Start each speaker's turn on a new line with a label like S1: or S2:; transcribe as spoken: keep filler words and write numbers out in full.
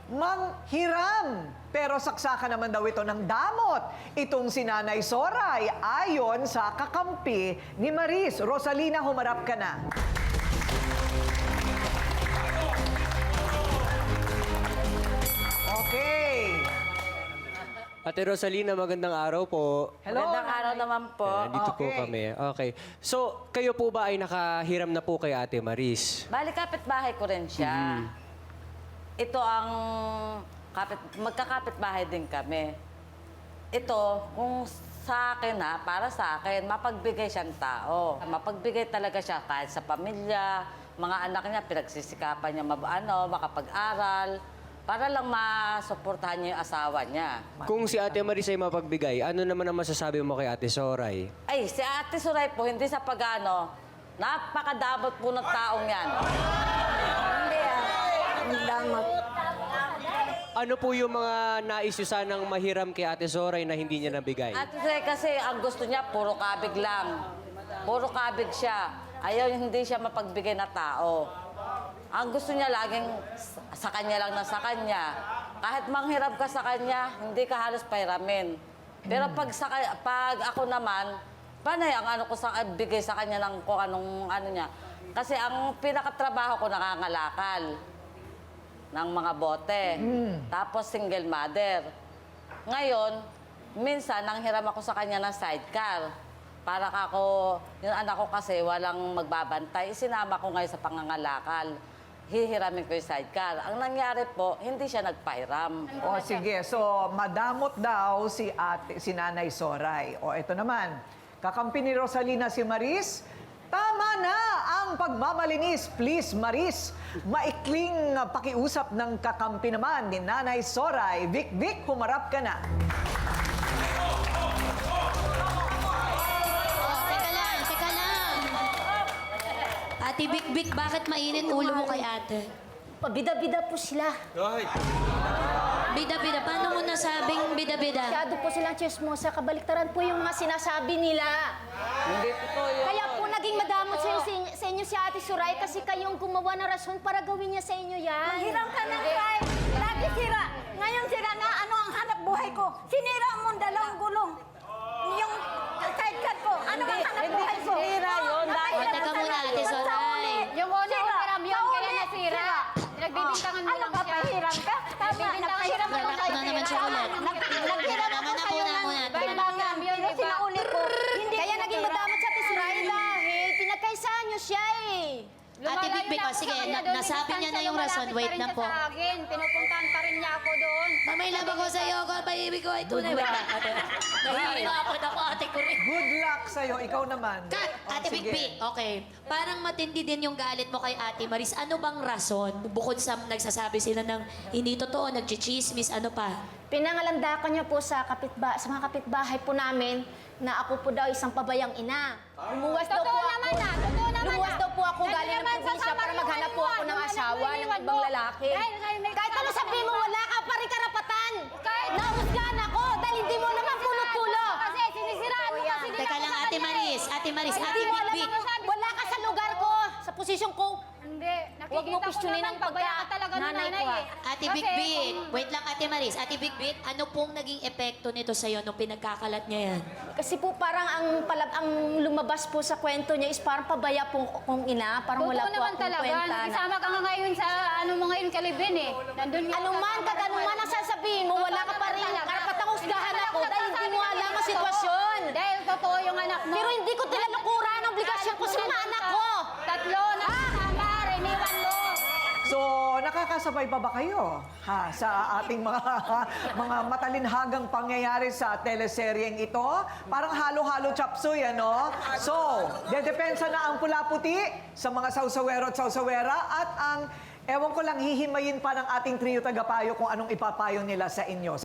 S1: manghiram. Pero saksakan naman daw ito ng damot. Itong si Nanay Soray, ayon sa kakampi ni Maris. Rosalina, humarap ka na. Okay.
S2: Ate Rosalina, magandang araw po.
S1: Hello.
S3: Magandang araw naman po.
S2: Ayan, dito po
S1: Okay.
S2: kami. Okay. So, kayo po ba ay nakahiram na po kay Ate Maris?
S3: Bali, kapitbahay ko rin siya. Ito ang kapit, magkakapitbahay din kami. Ito, kung sa akin ha, para sa akin, mapagbigay siyang tao. Mapagbigay talaga siya kahit sa pamilya, mga anak niya, pinagsisikapan niya mab ano, makapag-aral, para lang masuportahan niya yung asawa niya.
S2: Kung si Ate Maris ay mapagbigay, ano naman ang masasabi mo kay Ate Soray?
S3: Ay, si Ate Suray po, hindi sa pag-ano, napakadabot po ng taong yan. Hindi ah. Ang damot.
S2: Ano po yung mga nais nyo sanang mahiram kay Ate Soray na hindi niya nabigay?
S3: Ate Suray kasi ang gusto niya, puro kabig lang. Puro kabig siya. Ayaw, hindi siya mapagbigay na tao. Ang gusto niya laging sa kanya lang na sa kanya. Kahit manghiram ka sa kanya, hindi ka halos pahiramin. Pero pag, sa, pag ako naman, panay ang ano ko sa bigay sa kanya ng kung anong ano niya. Kasi ang pinakatrabaho ko nakangalakal ng mga bote. Tapos single mother. Ngayon, minsan nanghiram ako sa kanya ng sidecar. Para ako, yung anak ko kasi walang magbabantay, sinama ko ngayon sa pangangalakal. Hihiramin ko yung sidecar. Ang nangyari po, hindi siya nagpahiram.
S1: O sige, so madamot daw si ate, si Nanay Soray. O ito naman, kakampi ni Rosalina si Maris. Tama na ang pagmamalinis. Please, Maris. Maikling uh, pakiusap ng kakampi naman ni Nanay Soray. Vic, Vic, humarap ka na.
S4: Teka lang, teka lang. Ate Bik Bik, bakit mainit ulo mo kay ate?
S5: Bida-bida po sila.
S4: Bida-bida, paano mo nasabing bida-bida?
S5: Masyado po silang chismosa. Kabaliktaran po yung mga sinasabi nila.
S3: Hindi totoo yun.
S5: Kaya po naging madamot sa, inyo, sa inyo si Ate Suray kasi kayong gumawa ng rason para gawin niya sa inyo yan.
S6: Hiram ka ng cry. Lagi sira. Ngayon sira na ano ang hanap buhay ko. Sinira mo ang dalawang gulong. Yung sidecar ko. Ano ang hanap
S3: Hindi
S6: buhay ko?
S3: sinira yun.
S6: Napahirap
S4: O, teka
S6: ka
S4: muna,
S6: na.
S4: Ate Soray.
S6: Yung una hiram yun, kaya nasira.
S5: Pinagbibintangan mo
S6: Ano
S5: lang
S6: ka,
S5: siya.
S6: pahiram ka? Tama, nagpahiram ako
S4: Lalak na naman siya ulit.
S6: Naghiram
S4: Tama
S6: ako
S4: na,
S6: sa'yo
S4: una
S6: ng
S4: muna.
S6: timbangan. Yung sinauli ko. Hindi
S5: Kaya
S6: ko
S5: naging
S6: natira.
S5: madamot sa Ate Suray dahil pinagkaisahan niyo siya eh.
S4: Ate Bik Bik, o sige, na- nasabi niya na yung rason. Wait na po.
S6: Sa akin, pinupuntahan pa rin niya ako doon.
S4: Mamay love ako sa'yo, ko, paibig ko ay tunay. Nahihirapan ako, ate ko rin.
S1: Good luck sa'yo. Ikaw naman.
S4: Kat,
S1: O,
S4: Ate Bik
S1: sige.
S4: Bik, okay. Parang matindi din yung galit mo kay Ate Maris. Ano bang rason? Bukod sa nagsasabi sila ng hindi totoo, nagchichismis, ano pa?
S5: Pinangalandakan niya po sa, kapitba sa mga kapitbahay po namin na ako po daw isang pabayang ina. Lumuwas daw po
S6: Totoo
S5: ako.
S6: naman na, totoo naman
S5: Lumuwas
S6: na.
S5: daw po ako
S6: Dahil
S5: galing ng
S6: naman sa
S5: probinsya
S6: sama
S5: para
S6: ng
S5: maghanap po ako
S6: iniwan,
S5: ng
S6: yung
S5: asawa
S6: anak mo,
S5: ng
S6: iniwan
S5: ibang
S6: mo.
S5: lalaki.
S6: Dahil kayo may
S5: Kahit ano
S6: kasama
S5: sabihin mo,
S6: ka.
S5: wala ka pa rin karapatan.
S6: Kahit-
S5: Nahusgahan ako dahil hindi mo naman punot-pulo.
S6: Kasi sinisiraan mo kasi nila
S4: Teka
S6: ako
S4: lang,
S6: sa
S4: Ate
S6: kanya
S4: Maris,
S6: eh.
S4: Ate Maris,
S6: Kaya
S4: Ate
S5: Hindi mo
S4: Bik
S5: alam
S4: Bik.
S5: ang wala ka sa lugar ko, sa posisyon ko.
S6: Hindi.
S5: Huwag mo
S6: Nakikita ko
S5: questionin
S6: naman,
S5: ang pagka-
S6: pabaya ka talaga ng
S5: nanay
S6: nanay
S5: ko, ah.
S6: eh.
S4: Ate
S6: Kasi
S4: Bik Bik,
S6: kung-
S4: wait lang Ate Maris. Ate Bik Bik, ano pong naging epekto nito sa'yo nung pinagkakalat niya yan?
S5: Kasi po parang ang palab ang lumabas po sa kwento niya is parang pabaya po kong ina, parang wala
S6: Totoo
S5: po
S6: naman
S5: akong
S6: talaga.
S5: kwenta. na-
S6: Nakisama ka nga ngayon sa ano mo ngayon kalibin eh. Nandun nga
S5: Anong
S6: sa-
S5: man, kag anong man ang sasabihin mo, wala ka pa rin
S6: Totoo naman
S5: karapatang
S6: talaga.
S5: husgahan ako dahil hindi mo
S6: Nagsasabi
S5: alam ang
S6: ng
S5: sitwasyon.
S6: totoo. Dahil totoo yung anak mo.
S5: Pero hindi ko tinalukura ang obligasyon ko sa mga anak ko.
S6: Tatlo na kasama, riniwan mo.
S1: So, nakakasabay pa ba kayo ha, sa ating mga mga matalinhagang pangyayari sa teleseryeng ito? Parang halo-halo chapsuy, ano? So, dedepensa na ang pula-puti sa mga sausawero at sausawera at ang, ewan ko lang, hihimayin pa ng ating trio tagapayo kung anong ipapayo nila sa inyo.